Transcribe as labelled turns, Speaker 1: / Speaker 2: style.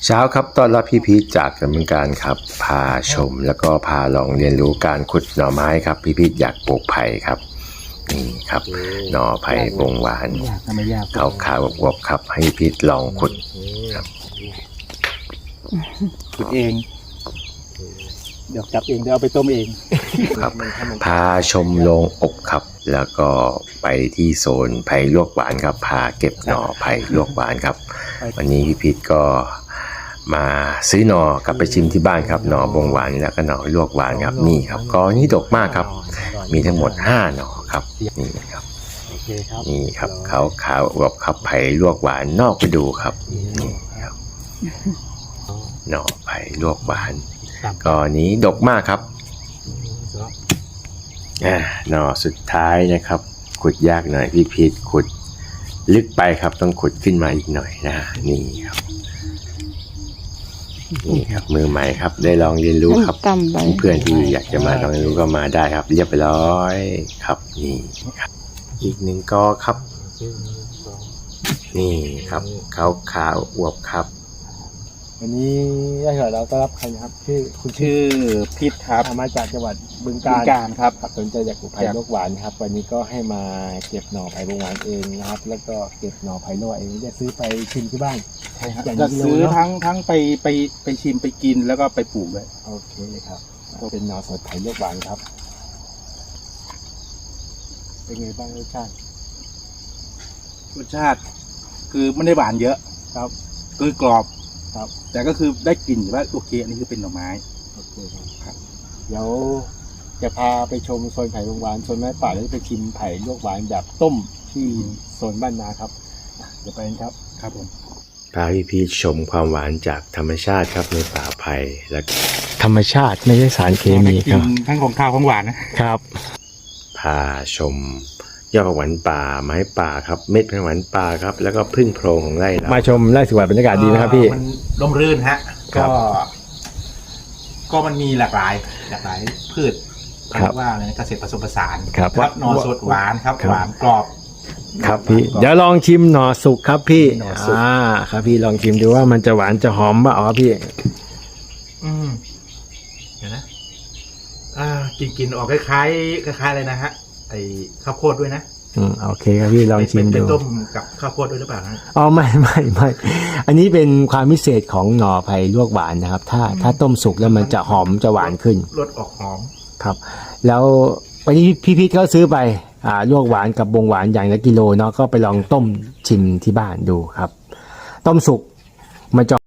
Speaker 1: เช้าครับต้อนรับพี่พีชจากดำเนินการครับพาชมแล้วก็พาลองเรียนรู้การขุดหน่อไม้ครับพี่พีชอยากปลูกไผ่ครับนี่ครับหน่อไผ่บงหวานขาวๆอวบๆครับให้พี่พีชลองขุดครับ
Speaker 2: ขุดเองเดี๋ยวจับเองเดี๋ยวเอาไปต้มเอง
Speaker 1: ครับพาชมโรงอบครับแล้วก็ไปที่โซนไผ่ลวกหวานครับพาเก็บหน่อไผ่ลวกหวานครับวันนี้พี่พีชก็มาซื้อหน่อกลับไปชิมที่บ้านครับหน่อบงหวานแล้วก็หน่อลวกหวานครับนี่ครับก็นี่ดกมากครับมีทั้งหมด5หน่อครับนี่ครับนี่ครับขาวอวบครับไผ่ลวกหวานนอกไปดูครับนี่ครับหน่อไผ่ลวกหวานก็นี้ดกมากครับหน่อสุดท้ายนะครับขุดยากหน่อยพี่พีชขุดลึกไปครับต้องขุดขึ้นมาอีกหน่อยนะนี่ครับนี่ครับมือใหม่ครับได้ลองเรียนรู้ครับเพื่อนที่อยากจะมาลองเรียนรู้ก็มาได้ครับเรียบร้อยครับนี่ครับอีก1กอครับนี่ครับขาวอวบครับ
Speaker 2: วันนี้เราก็รับใครนะครับชื่อพิษครับมาจากจังหวัดบึงกาฬครับสนใจอยากปลูกไผ่ลวกหวานครับวันนี้ก็ให้มาเก็บหน่อไผ่บงหวานเองนะครับแล้วก็เก็บหน่อไผ่ลวกเองจะซื้อไปชิมที่บ้านใช่ครับจะซื้อทั้งไปชิมไปกินแล้วก็ไปปลูกด้วยโอเคครับก็เป็นหน่อสดไผ่ลวกหวานครับเป็นไงบ้างรสชาติคือไม่ได้หวานเยอะครับคือกรอบครับแต่ก็คือได้กลิ่นว่าโอเคอันนี้คือเป็นหน่อไม้โอเคครับเดี๋ยวจะพาไปชมโซนไผ่ลวกหวานโซนไม้ป่าแล้วไปชิมไผ่ลวกหวานแบบต้มที่โซนบ้านนาครับเดี๋ยวไปกันครับครับผม
Speaker 1: พาพี่พีชชมความหวานจากธรรมชาติครับในป่าไผ่และธรรมชาติไม่ใช่สารเคมีครับ
Speaker 2: ทั้งของข้าวของหวานนะครับ
Speaker 1: พาชมยอดผักหวานป่าไม้ป่าครับเม็ดผักหวานป่าครับแล้วก็พึ่งโพรงของไร่เรามาชมไร่สวนบรรยากาศดีนะครับพี่
Speaker 3: มันร่มรื่นฮะก็มันมีหลากหลายพืชเรียกว่าเกษตรผสมผสาน
Speaker 1: ครับ
Speaker 3: หน่อสดหวานครับหวานกรอบ
Speaker 1: ครับพี่เดี๋ยวลองชิมหน่อสุกครับพี่ครับพี่ลองชิมดูว่ามันจะหวานจะหอมป่ะอ๋อพี่
Speaker 3: เดี๋ยวนะกินออกคล้ายอะไรนะฮะไอ้ข้าวโพดด้วยนะ
Speaker 1: โอเคครับพี่ลองชิมดู
Speaker 3: เป็นต้มกับข้าวโพดด้วยหรือเปล่านะ
Speaker 1: อ๋อไม่อันนี้เป็นความพิเศษของหน่อไผ่ลวกหวานนะครับถ้าต้มสุกแล้วมันจะหอมจะหวานขึ้น
Speaker 3: รสออกหอม
Speaker 1: ครับแล้ววันนี้พี่พีชเขาซื้อไปลวกหวานกับบงหวานอย่างละกิโลเนาะก็ไปลองต้มชิมที่บ้านดูครับต้มสุกมันจะ